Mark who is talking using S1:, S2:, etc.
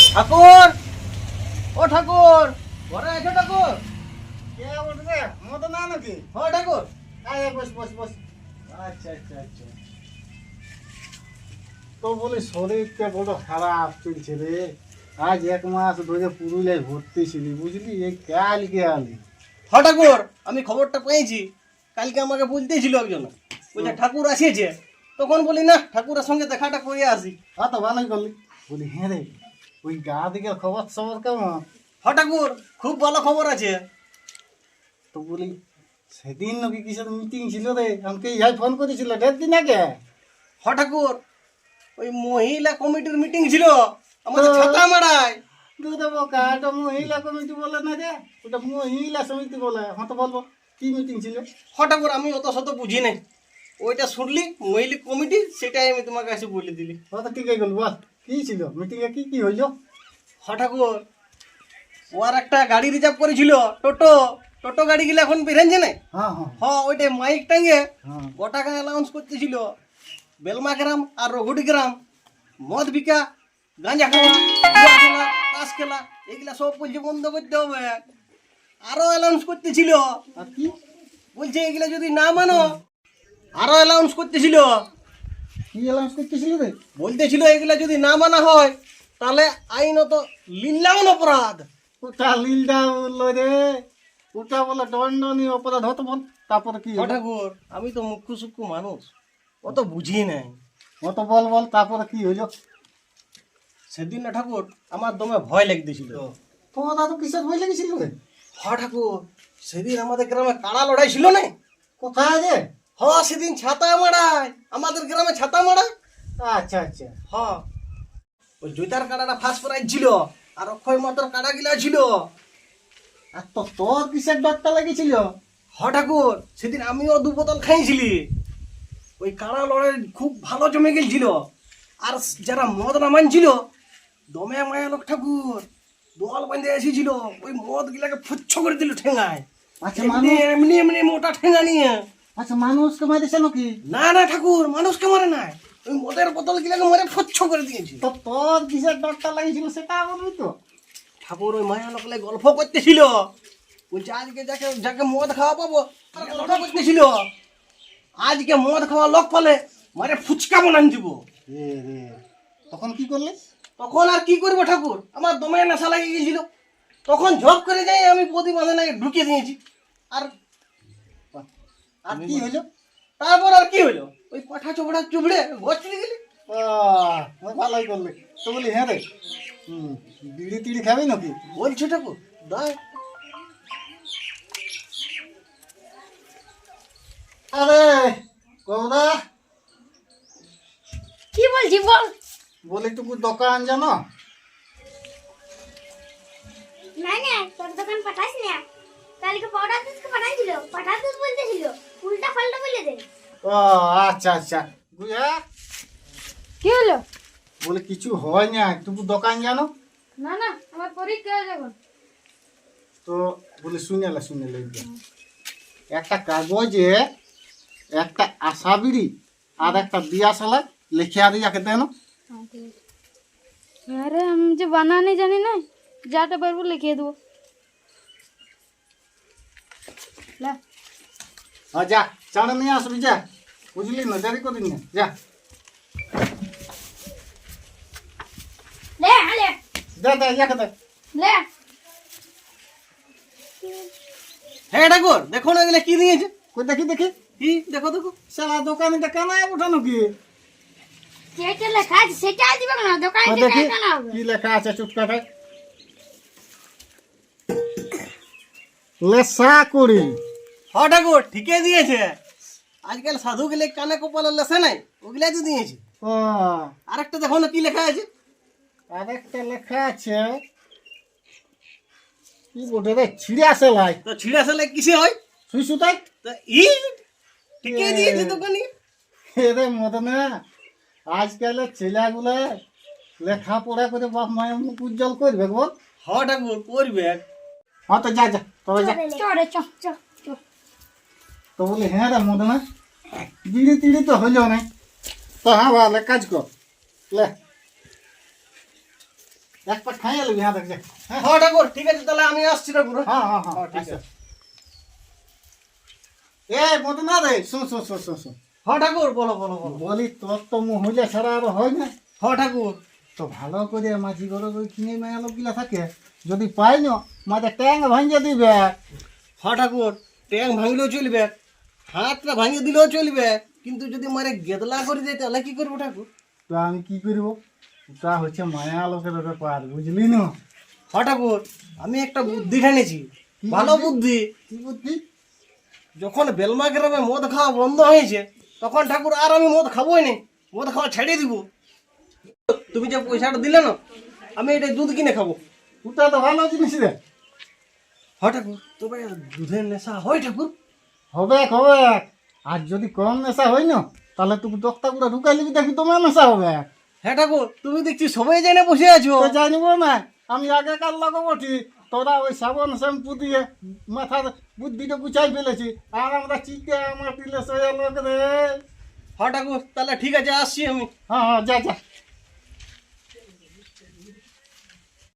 S1: ঠাকুর, ও ঠাকুর, ঘরে আছো ঠাকুর?
S2: কে বলছে মতো না নাকি?
S1: হ্যাঁ ঠাকুর।
S2: আয় বস বস বস।
S1: আচ্ছা আচ্ছা আচ্ছা।
S2: তো বলি শরীরটা বড় খারাপ চলছে রে। আজ 1 মাস ধরে পুরুলিয়ায় ভর্তি ছিলি বুঝলি, এই কালকে আলি।
S1: হ্যাঁ ঠাকুর, আমি খবরটা পেয়েছি। কালকে আমাকে বলতেই ছিল একজন, বলছে ঠাকুর আসিয়েছে। তখন বলি না, ঠাকুরের সঙ্গে দেখাটা করে আসি।
S2: হ্যাঁ তো ভালোই করলি। বলি হ্যাঁ রে, ওই গা দিকের খবর সবর কেমন?
S1: হ্যাঁ ঠাকুর, খুব ভালো খবর আছে।
S2: তো বলি সেদিন নাকি কিসের মিটিং ছিল রে, আমাকে ইহাই ফোন করেছিল 1.5 দিন আগে।
S1: হ্যাঁ ঠাকুর, ওই মহিলা কমিটির মিটিং ছিল আমাদের ছাতামারায়।
S2: দুধ বোকা, ওটা মহিলা কমিটি বলে না রে, ওটা মহিলা সমিতি বলে। হ্যাঁ তো বলবো কি মিটিং ছিল?
S1: হ্যাঁ ঠাকুর, আমি অত শত বুঝি নাই। ওইটা শুনলি মহিলা কমিটি, সেটাই আমি তোমাকে এসে বলে দিলি।
S2: হ্যাঁ তো ঠিকই গেল, বল কি ছিল মিটিংয়ে, কি কি হইলো?
S1: হ্যাঁ ঠাকুর, ওর একটা গাড়ি রিজার্ভ করেছিল, টোটো। টোটো গাড়িগুলো এখন বেরেঞ্জে নাই।
S2: হ্যাঁ হ্যাঁ
S1: হ্যাঁ, ওইটাই মাইক টাঙ্গে
S2: হ্যাঁ।
S1: গোটাকে অ্যালাউন্স করতেছিল। বেলমা গ্রাম আর রঘুটি গ্রাম মদ বিকা, গাঁজা খাওয়া, জুয়া খেলা, তাস খেলা, এগুলা সব বলছে বন্ধ করতে হবে। আরো অ্যালাউন্স করতেছিল,
S2: আর কি
S1: বলছে এগুলা যদি না মানো আরো অ্যালাউন্স করতেছিল।
S2: কি অ্যালাউন্স করতেছিল রে?
S1: বলতেছিল এগুলা যদি না মানা হয় তাহলে আইনত লিল্লাউন অপরাধ।
S2: ওটা লিলদা বললো রে, ওটা বলে দণ্ডনীয় অপরাধ হতো বল। তারপরে কি
S1: হ্যাঁ
S2: হলো?
S1: ঠাকুর, আমি তো মুখ্য সূক্ষ্ম মানুষ, অত বুঝি নাই।
S2: অত বল বল, তারপরে কি হইলো?
S1: সেদিন না ঠাকুর, আমার দমে ভয় লাগতেছিল।
S2: তোমার দাদু কিসের ভয় লেগেছিল রে?
S1: হ্যাঁ ঠাকুর, সেদিন আমাদের গ্রামে কাড়া লড়াই ছিল না।
S2: কোথায় যে?
S1: হ্যাঁ, সেদিন ছাতা মারায়, আমাদের গ্রামে ছাতা মারায়।
S2: আচ্ছা আচ্ছা।
S1: হ্যাঁ, ওই জৈতার কাড়াটা ফার্স্ট প্রাইজ ছিল, আর অক্ষয় মাত্র কাড়া গিলা ছিল।
S2: আর তো তোর কিসের ডরটা লেগেছিল?
S1: হ্যাঁ ঠাকুর, সেদিন আমিও 2 বোতল খাইছিলি। ওই কাড়া লড়াই খুব ভালো জমে গেছিল। আর যারা মদ না মানছিল, দমে মায়া লোক ঠাকুর দল বাঁধে এসেছিল, ওই মদ গিলাকে ফুচ্ছ করে দিল ঠেঙায়।
S2: আচ্ছা
S1: এমনি
S2: মানুষ,
S1: এমনি এমনি মোটা ঠেঙা নিয়ে।
S2: আচ্ছা মানুষকে মারিছে নাকি?
S1: না না ঠাকুর, মানুষকে মারে নাই, ওই মদের বোতল গিলাকে মারে ফুচ্ছ করে দিয়েছে।
S2: তো তোর কিসের ডরটা লেগেছিল সেটা বলবি তো?
S1: ঠাকুর ওই মায়া লোকলে গল্প করতেছিল, বলছে আজকে যাকে যাকে মদ খাওয়া পাবো তার গল্প করতেছিল। আজকে মদ খাওয়া লোক পালে মারে ফুচকা বানান দিব।
S2: এ রে, তখন কি করলে?
S1: তখন আর কি করবো ঠাকুর, আমার দমে নেশা লাগিয়ে গেছিল। তখন ঝপ করে যাই আমি প্রতি বাঁধে ঢুকিয়ে দিয়েছি। আর
S2: আর কি হইলো?
S1: তারপর আর কি হইলো, ওই পাঠা চোপড়া চুবড়ে ঘর চলে গেলি।
S2: ভালোই করলে। তো বলি হ্যাঁ রে, বিড়ি টিড়ি খাবি নাকি?
S1: বলছো ঠাকুর দায়।
S2: আরে কৌদা,
S3: কি বলছি বল।
S2: বলি টুকু দোকান জানো?
S3: না না, তোর দোকান পাঠাস না। কালকে পাউডার দুধকে পাঠাইছিল, পাউডার দুধ বলতেছিল, উল্টা পাল্টা বলে দে।
S2: ও আচ্ছা আচ্ছা বুঝা।
S3: কি হলো?
S2: বলে কিছু হয় না, টুকু দোকান জানো?
S3: না না, আমার পরীক্ষা যখন।
S2: তো বলে শুনেলে একটা কাগজে একটা আশা বিড়ি আর একটা দিয়া সালা লিখে আর ইয়াকে দেন।
S3: আরে আমি যে বানানি জানি না, যাটা পারবো লিখে দেবো। লা
S2: হ্যাঁ যা, চাড়ে নিয়ে আসবি যা, বুঝলি না, দেরি করিস না যা।
S3: লে আলে
S2: দে দে ইয়াকে দে।
S3: লে।
S1: হ্যাঁ ঠাকুর, দেখো না এগুলো কি দিয়েছে।
S2: কই দেখি দেখি।
S1: কি দেখো দেখো।
S2: সালা দোকানিটা কেনায় ওঠানো কি?
S3: যেটা লেখা আছে সেটা দিবে না, দোকানে
S2: কই
S3: থেকে
S2: দেখি
S3: কেন হবে?
S2: কি লেখা আছে, চুপকাটা লেসা করি।
S1: হ্যাঁ ঠাকুর, ঠিকই দিয়েছে। আজকাল সাধু গেলে কানে কপালে লেসে নাই, ওগুলাই তো দিয়েছে।
S2: ও
S1: আরেকটা দেখো না কি লেখা আছে।
S2: আরেকটা লেখা আছে, কি বটে রে, ছিঁড়ে আসে লাই
S1: তো ছিঁড়া সালে কিসে হয়?
S2: সুই সুতাই।
S1: তা ই ঠিকই দিয়েছে দোকানি।
S2: এরে মদনা, আজকালের ছেলেগুলো লেখাপড়া করে বাপ মায়ের মুখ উজ্জ্বল করবে বল।
S1: হ্যাঁ ঠাকুর, করবে।
S2: হ্যাঁ তো যা যা, তবে যা।
S3: চড়ে চ চ চ।
S2: তো বলি হ্যাঁ রে মদনা, বিড়ি টিড়ি তো হইল না, তো হ্যাঁ ভালো কাজ কর লে। এক পাট খাইয়ে নেবি, হ্যাঁ দেখছে। হ্যাঁ
S1: হ্যাঁ ঠাকুর ঠিক আছে, তাহলে আমি আসছি ঠাকুর।
S2: হ্যাঁ হ্যাঁ হ্যাঁ
S1: ঠিক
S2: আচ্ছা।
S1: আছে।
S2: এ মতো না রে, শুন শুন শুন শুন শুন,
S1: হ্যাঁ ঠাকুর, বলো বলো বলো।
S2: বলি তোর তো মহিলা ছাড়া আর হয় না।
S1: হ্যাঁ ঠাকুর।
S2: তো ভালো করে মাঝি ঘরে ওই কিনে মেয়ে লোকগুলা থাকে, যদি পাই না মাঝে ট্যাং ভাঙিয়ে দিবে।
S1: হ্যাঁ ঠাকুর, ট্যাং ভাঙলেও চলবে, হাতটা ভাঙিয়ে দিলেও চলবে, কিন্তু যদি মারে গেদলা করে দেয় তাহলে কি করবো ঠাকুর?
S2: তো আমি কি করব, তা হচ্ছে মায়া লোকের ব্যাপার, বুঝলি না?
S1: হ্যাঁ ঠাকুর, আমি একটা বুদ্ধি ঠানেছি, ভালো বুদ্ধি।
S2: কি বুদ্ধি?
S1: যখন বেলমা গ্রামে মদ খাওয়া বন্ধ হয়েছে, তখন ঠাকুর আর আমি মদ খাবোই না, মদ খাওয়া ছেড়ে দিব। তুমি যে পয়সাটা দিলে না, আমি এটা দুধ কিনে খাবো।
S2: ওটা তো ভালো জিনিস রে।
S1: হ্যাঁ ঠাকুর, তবে দুধের নেশা হয় ঠাকুর?
S2: হবে হবে, আর যদি কম নেশা হয় না তাহলে তুমি দক্তা গুলো ঢুকাই লিবি, দেখি তোমার নেশা হবে।
S1: হ্যাঁ ঠাকুর, তুমি দেখছি সবাই জেনে বসে আছো।
S2: তো জানিব না, আমি আগেকার লোক বটি, তোরা ওই সাবান শ্যাম্পু দিয়ে মাথার বুদ্ধিটা গুছাই ফেলেছি, আর আমরা চিন্তা আমার দিলে সে লোক রে।
S1: হ্যাঁ ঠাকুর, তাহলে ঠিক আছে, আসছি আমি।
S2: হ্যাঁ হ্যাঁ, যা যা।